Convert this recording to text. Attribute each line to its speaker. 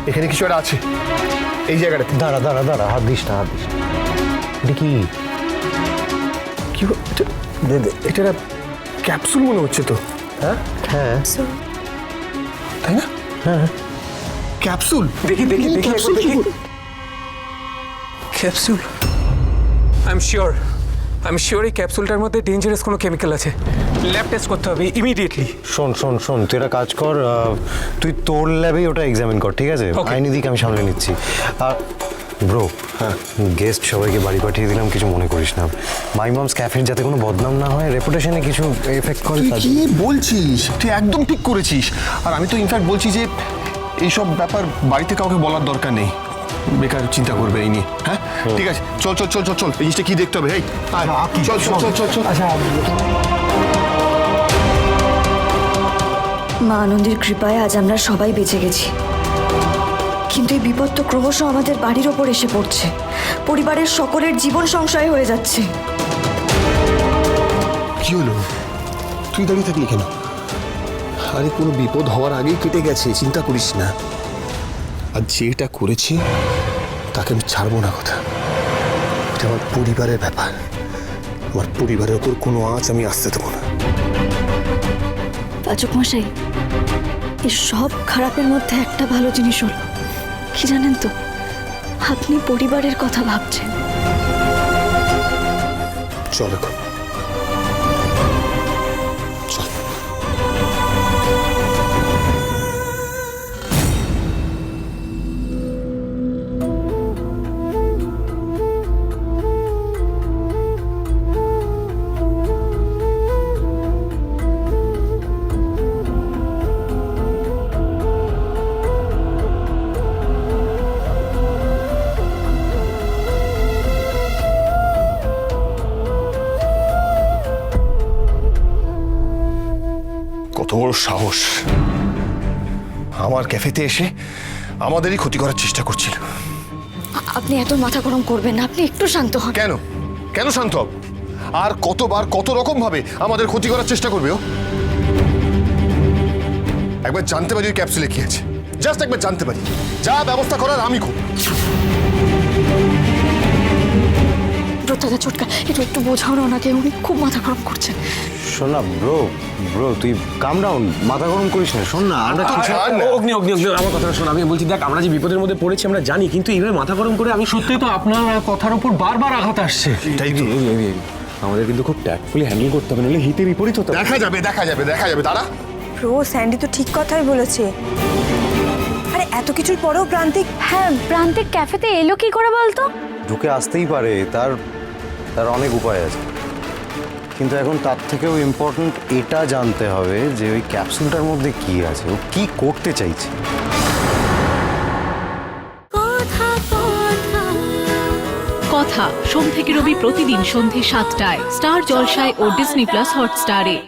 Speaker 1: এখানে কিছু একটা আছে এই জায়গাটাতে।
Speaker 2: দাঁড়া দাঁড়া দাঁড়া, হাত দিস না, হাত দিস না। এটা কি?
Speaker 1: কি দে দে, এটা একটা ক্যাপসুল মনে হচ্ছে তো। হ্যাঁ
Speaker 2: হ্যাঁ
Speaker 1: তাই না? হ্যাঁ ক্যাপসুল।
Speaker 3: দেখি দেখি দেখি
Speaker 1: ক্যাপসুল
Speaker 3: দেখি ক্যাপসুল। আই এম শিওর এই ক্যাপসুলটার মধ্যে ডেঞ্জারাস কোনো কেমিক্যাল আছে। ল্যাব টেস্ট করতে হবে ইমিডিয়েটলি।
Speaker 2: শোন শোন শোন, তুই একটা কাজ কর, তুই তোর ল্যাবেই ওটা এক্সামিন কর, ঠিক আছে?
Speaker 3: Okay.
Speaker 2: আইনি দিক আমি সামলে নিচ্ছি। আর ব্রো, হ্যাঁ, গেস্ট সবাইকে বাড়ি পাঠিয়ে দিলাম, কিছু মনে করিস না। মাই মমস ক্যাফের যাতে কোনো বদনাম না হয়, রেপুটেশনে কিছু এফেক্ট করে।
Speaker 1: তুই কি বলছিস? তুই একদম ঠিক করেছিস। আর আমি তো ইনফ্যাক্ট বলছি যে এইসব ব্যাপার বাড়িতে কাউকে বলার দরকার নেই, বেকার চিন্তা করবে এই নিয়ে। হ্যাঁ ঠিক আছে, চল চল চল চল চল, এই জিনিসটা কি দেখতে হবে। এই আয়, চল চল চল চল চল।
Speaker 4: মা আনন্দের কৃপায় আজ আমরা সবাই বেঁচে গেছি, কিন্তু এই বিপদ তো ক্রমশ আমাদের বাড়ির ওপর এসে পড়ছে। পরিবারের সকলের জীবন সংশয় হয়ে যাচ্ছে।
Speaker 1: কি হলো? তুই দাঁড়িয়ে থাকলি কেন? আরে কোনো বিপদ হওয়ার আগেই কেটে গেছে, চিন্তা করিস না। আর যেটা করেছি তাকে আমি ছাড়বো না কথা। এটা আমার পরিবারের ব্যাপার, আমার পরিবারের ওপর কোনো আঁচ আমি আসতে দেবো না।
Speaker 4: পাচক মশাই, এই সব খারাপের মধ্যে একটা ভালো জিনিস হলো কি জানেন তো? আপনি পরিবারের কথা ভাবছেন।
Speaker 1: চল এখন চল। কত বড় সাহস! আমার ক্যাফেতে এসে আমাদেরই ক্ষতি করার চেষ্টা করছিল।
Speaker 4: আপনি এত মাথা গরম করবেন না, আপনি একটু শান্ত হন।
Speaker 1: কেন কেন শান্ত হব? আর কতবার কত রকম ভাবে আমাদের ক্ষতি করার চেষ্টা করবে ও? একবার জানতে পারি ওই ক্যাপসুলে কি আছে, জাস্ট একবার জানতে পারি, যা ব্যবস্থা করার আমি করব।
Speaker 4: দাদা ছোটকা, একটু একটু বোঝাও না ওনাকে, উনি খুব মাথা গরম করছেন।
Speaker 2: শোন না ব্রো, ব্রো তুই কাম ডাউন, মাথা গরম করিস না। শোন না, আমরা
Speaker 3: অগ্নি অগ্নি অগ্নি, আমার কথাটা শোন। আমি বলছি দেখ, আমরা যে বিপদের মধ্যে পড়েছি আমরা জানি, কিন্তু এইভাবে মাথা গরম করে আমি
Speaker 5: সত্যি তো আপনার কথার উপর বারবার আঘাত আসছে।
Speaker 1: এটাই তো।
Speaker 3: আমাদের কিন্তু খুব ট্যাক্টফুলি হ্যান্ডেল করতে হবে, নাহলে হিতে বিপরীত হতে
Speaker 1: দেখা যাবে দেখা যাবে দেখা যাবে, দাঁড়া।
Speaker 6: প্রো, স্যান্ডি তো ঠিক কথাই বলেছে। আরে এত কিছুর পরেও প্রান্তিক,
Speaker 7: হ্যাঁ, প্রান্তিক ক্যাফেতে এলো কি করে বলতো?
Speaker 2: ঢুকে আসতেই পারে, তার তার অনেক উপায় আছে, কিন্তু এখন তার থেকেও ইম্পর্ট্যান্ট এটা জানতে হবে যে ওই ক্যাপসুলটার মধ্যে কি আছে, ও কি করতে চাইছে।
Speaker 8: কথা সোম থেকে রবি প্রতিদিন সন্ধে ৭টায় স্টার জলসায় ও ডিজনি প্লাস হটস্টারে।